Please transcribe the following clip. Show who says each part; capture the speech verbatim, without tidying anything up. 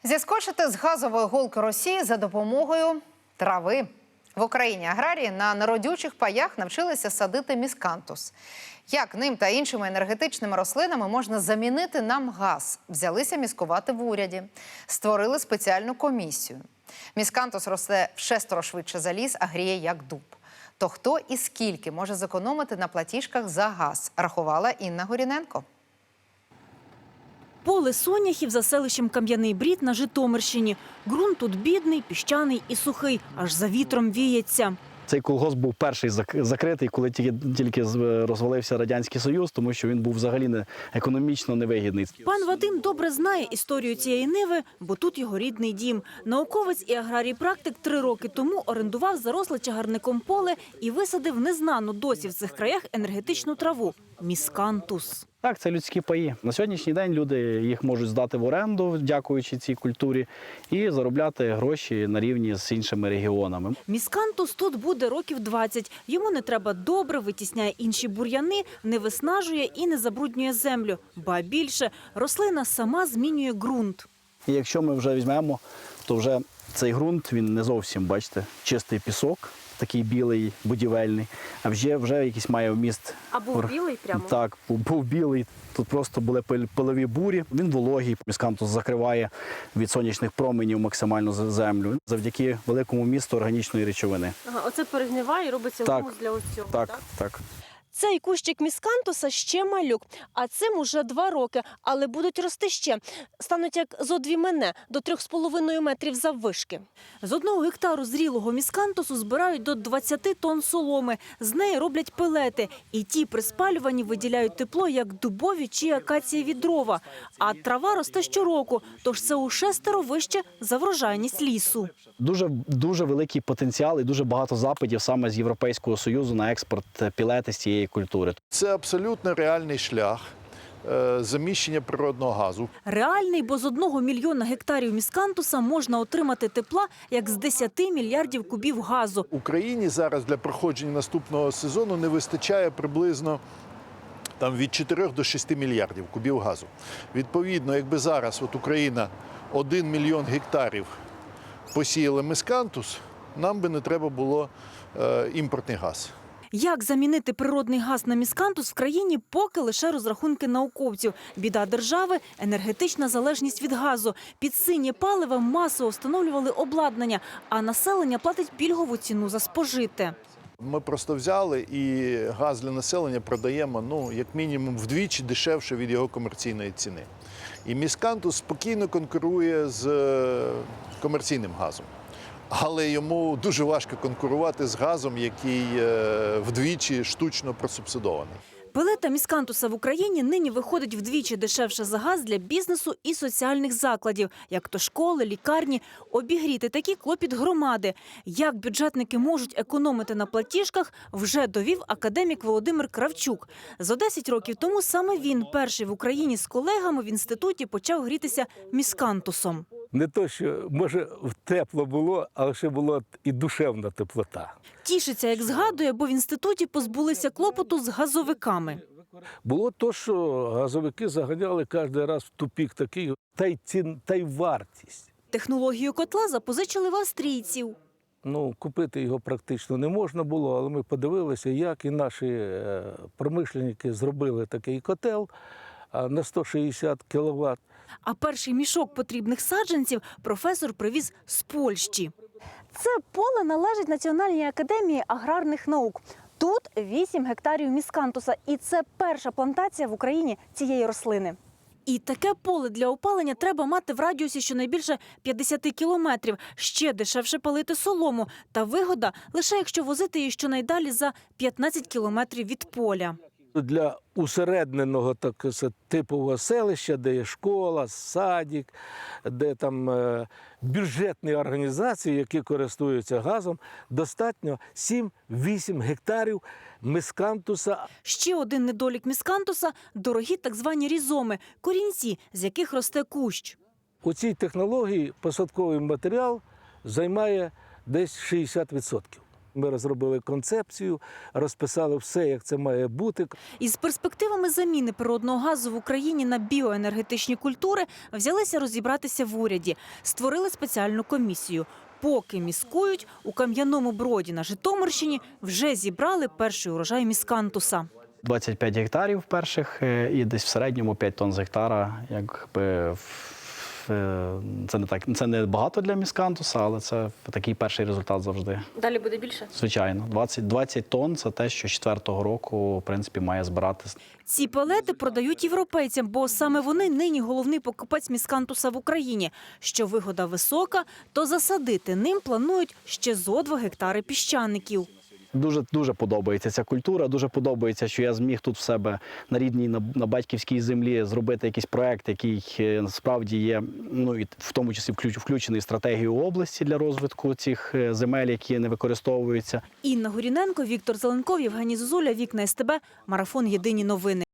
Speaker 1: Зіскочити з газової голки Росії за допомогою трави. В Україні аграрії на народючих паях навчилися садити міскантус. Як ним та іншими енергетичними рослинами можна замінити нам газ? Взялися міскувати в уряді. Створили спеціальну комісію. Міскантус росте в шестеро швидше за ліс, а гріє як дуб. То хто і скільки може зекономити на платіжках за газ, рахувала Інна Горіненко.
Speaker 2: Поле соняхів за селищем Кам'яний Брід на Житомирщині. Ґрунт тут бідний, піщаний і сухий, аж за вітром віється.
Speaker 3: Цей колгосп був перший закритий, коли тільки, тільки розвалився Радянський Союз, тому що він був взагалі не, економічно невигідний.
Speaker 2: Пан Вадим добре знає історію цієї ниви, бо тут його рідний дім. Науковець і аграрій-практик три роки тому орендував заросле чагарником поле і висадив незнану досі в цих краях енергетичну траву – міскантус.
Speaker 3: Так, це людські паї. На сьогоднішній день люди їх можуть здати в оренду, дякуючи цій культурі, і заробляти гроші на рівні з іншими регіонами.
Speaker 2: Міскантус тут буде років двадцять. Йому не треба добре, витісняє інші бур'яни, не виснажує і не забруднює землю. Ба більше, рослина сама змінює ґрунт.
Speaker 3: І якщо ми вже візьмемо, то вже цей ґрунт, він не зовсім, бачите, чистий пісок, такий білий, будівельний, а вже, вже якийсь має вміст.
Speaker 2: А був білий прямо?
Speaker 3: Так, був, був білий. Тут просто були пилові бурі. Він вологий. Міскантус закриває від сонячних променів максимально землю завдяки великому вмісту органічної речовини.
Speaker 4: Ага, оце перегниває і робиться
Speaker 3: так,
Speaker 4: гумус для ось цього,
Speaker 3: так?
Speaker 4: Так,
Speaker 3: так.
Speaker 4: Цей кущик міскантуса ще малюк, а цим уже два роки, але будуть рости ще. Стануть як зо дві мене, до трьох з половиною метрів заввишки.
Speaker 2: З одного гектару зрілого міскантусу збирають до двадцяти тонн соломи. З неї роблять пелети. І ті при спалюванні виділяють тепло, як дубові чи акацієві дрова. А трава росте щороку, тож це у шестеро вище за врожайність лісу.
Speaker 3: Дуже, дуже великий потенціал і дуже багато запитів саме з Європейського Союзу на експорт пілети з цієї культури.
Speaker 5: Це абсолютно реальний шлях заміщення природного газу.
Speaker 2: Реальний, бо з одного мільйона гектарів міскантуса можна отримати тепла, як з десяти мільярдів кубів газу.
Speaker 5: Україні зараз для проходження наступного сезону не вистачає приблизно там, від чотирьох до шести мільярдів кубів газу. Відповідно, якби зараз от Україна один мільйон гектарів посіяла міскантус, нам би не треба було е, імпортний газ.
Speaker 2: Як замінити природний газ на міскантус в країні, поки лише розрахунки науковців. Біда держави – енергетична залежність від газу. Під синє паливо масово встановлювали обладнання, а населення платить пільгову ціну за спожите.
Speaker 5: Ми просто взяли і газ для населення продаємо, ну, як мінімум, вдвічі дешевше від його комерційної ціни. І міскантус спокійно конкурує з комерційним газом. Але йому дуже важко конкурувати з газом, який вдвічі штучно просубсидований.
Speaker 2: Пелета міскантуса в Україні нині виходить вдвічі дешевше за газ для бізнесу і соціальних закладів, як то школи, лікарні. Обігріти такі клопіт громади. Як бюджетники можуть економити на платіжках, вже довів академік Володимир Кравчук. Зо десять років тому саме він перший в Україні з колегами в інституті почав грітися міскантусом.
Speaker 6: Не то, що, може, тепло було, але ще була і душевна теплота.
Speaker 2: Тішиться, як згадує, бо в інституті позбулися клопоту з газовиками.
Speaker 6: Було то, що газовики заганяли кожен раз в тупік такий, та й цін, та й вартість.
Speaker 2: Технологію котла запозичили в австрійців.
Speaker 6: Ну, купити його практично не можна було, але ми подивилися, як і наші промишленники зробили такий котел на сто шістдесят кіловат.
Speaker 2: А перший мішок потрібних саджанців професор привіз з Польщі.
Speaker 4: Це поле належить Національній академії аграрних наук. Тут вісім гектарів міскантуса, і це перша плантація в Україні цієї рослини.
Speaker 2: І таке поле для опалення треба мати в радіусі щонайбільше п'ятдесят кілометрів. Ще дешевше палити солому. Та вигода лише якщо возити її щонайдалі за п'ятнадцять кілометрів від поля.
Speaker 6: Для усередненого так, типового селища, де є школа, садик, де там е, бюджетні організації, які користуються газом, достатньо сім-вісім гектарів міскантуса.
Speaker 2: Ще один недолік міскантуса – дорогі так звані різоми – корінці, з яких росте кущ.
Speaker 6: У цій технології посадковий матеріал займає десь шістдесят відсотків. Ми розробили концепцію, розписали все, як це має бути.
Speaker 2: Із перспективами заміни природного газу в Україні на біоенергетичні культури взялися розібратися в уряді. Створили спеціальну комісію. Поки міскують, у Кам'яному Броді на Житомирщині вже зібрали перший урожай міскантуса.
Speaker 3: двадцять п'ять гектарів перших е, і десь в середньому п'ять тонн з гектара. Якби, в- е, це, не так, це не багато для міскантуса, але це такий перший результат завжди.
Speaker 4: Далі буде більше?
Speaker 3: Звичайно, двадцять, двадцять тонн – це те, що четвертого року, в принципі, має збирати.
Speaker 2: Ці пелети продають європейцям, бо саме вони нині головний покупець міскантуса в Україні. Що вигода висока, то засадити ним планують ще зо два гектари піщаників.
Speaker 3: Дуже, дуже подобається ця культура, дуже подобається, що я зміг тут в себе на рідній, на, на батьківській землі зробити якийсь проект, який е, справді є, ну, і в тому числі включ- включений в стратегію області для розвитку цих е, земель, які не використовуються.
Speaker 2: Інна Горіненко, Віктор Зеленков, Євгеній Зозуля, Вікна СТБ, Марафон «Єдині новини».